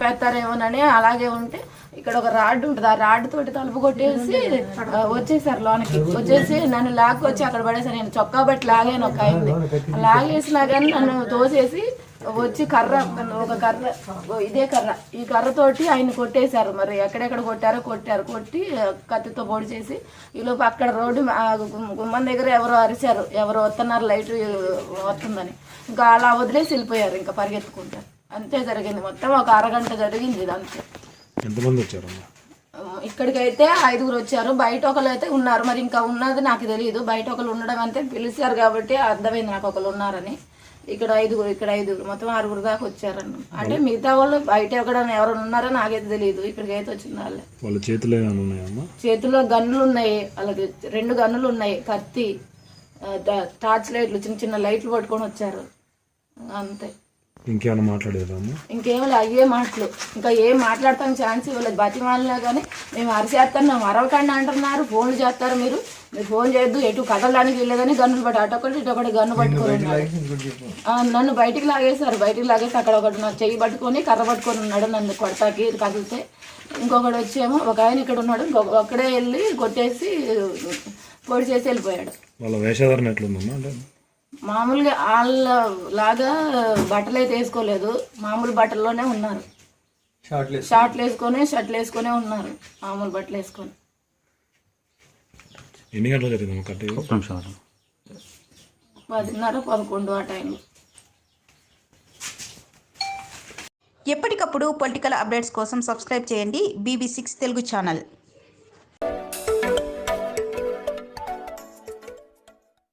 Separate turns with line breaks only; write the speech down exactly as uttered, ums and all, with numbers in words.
చంపేస్తారేమోనని అలాగే ఉంటే ఇక్కడ ఒక రాడ్ ఉంటుంది, ఆ రాడ్ తోటి తలుపు కొట్టేసి వచ్చేసారు లోనకి. వచ్చేసి నన్ను లాక్కొచ్చి అక్కడ పడేసారు. నేను చొక్కా బట్టి లాగాను ఒక ఆయన్ని, లాగేసినా కానీ నన్ను తోసేసి వచ్చి కర్ర, ఒక కర్ర, ఇదే కర్ర, ఈ కర్రతోటి ఆయన కొట్టేశారు. మరి ఎక్కడెక్కడ కొట్టారో కొట్టారు. కొట్టి కత్తితో పొడి చేసి ఈలోపు అక్కడ రోడ్డు గుమ్మం దగ్గర ఎవరో అరిశారు, ఎవరో వస్తున్నారు లైట్ వస్తుందని. ఇంకా అలా వదిలేసి వెళ్ళిపోయారు ఇంకా పరిగెత్తుకుంటారు. అంతే జరిగింది. మొత్తం ఒక అరగంట జరిగింది ఇది అంతే.
ఎంతమంది వచ్చారు
ఇక్కడికైతే ఐదుగురు వచ్చారు. బయట ఒకరు అయితే ఉన్నారు, మరి ఇంకా ఉన్నది నాకు తెలియదు. బయట ఒకరు ఉండడం అంతే పిలిచారు కాబట్టి అర్థమైంది నాకు ఒకరు ఉన్నారని. ఇక్కడ ఐదుగురు, ఇక్కడ ఐదుగురు, మొత్తం ఆరుగురు దాకా వచ్చారన్న. అంటే మిగతా వాళ్ళు బయట ఎక్కడైనా ఎవరు ఉన్నారో నాకైతే తెలియదు. ఇక్కడికి అయితే వచ్చిన వాళ్ళే.
వాళ్ళ చేతిలో ఉన్నాయమ్మా?
చేతిలో గన్నులు ఉన్నాయి, అలాగే రెండు గన్నులు ఉన్నాయి, కత్తి, టార్చ్ లైట్లు, చిన్న చిన్న లైట్లు పట్టుకొని వచ్చారు అంతే.
ఇంకేమైనా మాట్లాడేదమ్మా?
ఇంకేమో అయ్యే మాటలు, ఇంకా ఏం మాట్లాడతాం ఛాన్స్ ఇవ్వలేదు. బతిమాలినా కానీ మేము అరిచేస్తున్నాం, అరవకండి అంటున్నారు, ఫోన్లు చేస్తారు, మీరు మీరు ఫోన్ చేయొద్దు, ఎటు కదలడానికి వెళ్ళేదని గన్నులు పట్టి అటొకటి ఇటొకటి గన్ను పట్టుకొని ఉన్నాడు. నన్ను బయటికి లాగేశారు. బయటికి లాగేసి అక్కడ ఒకటి నా చెయ్యి పట్టుకొని కర్ర పట్టుకొని ఉన్నాడు నన్ను కొడతాకి కదిలితే. ఇంకొకటి వచ్చేమో ఒక ఆయన ఇక్కడ ఉన్నాడు, ఇంకొక ఒక్కడే వెళ్ళి కొట్టేసి పొడి చేసి వెళ్ళిపోయాడు.
వాళ్ళ వేషధారణ ఎట్లుందమ్మా? అంటే
మామూలుగా వాళ్ళ లాగా బట్టలు అయితే వేసుకోలేదు, మామూలు బట్టల్లోనే ఉన్నారు. షార్ట్లు వేసుకొని షర్ట్లు వేసుకొని ఉన్నారు, మామూలు బట్టలు వేసుకొని.
ఎన్ని గంటలు జరిగింది కరెక్ట్?
పదిన్నర పదకొండు ఆ టైంలో.
ఎప్పటికప్పుడు పొలిటికల్ అప్డేట్స్ కోసం సబ్స్క్రైబ్ చేయండి బీబీ సిక్స్ తెలుగు ఛానల్.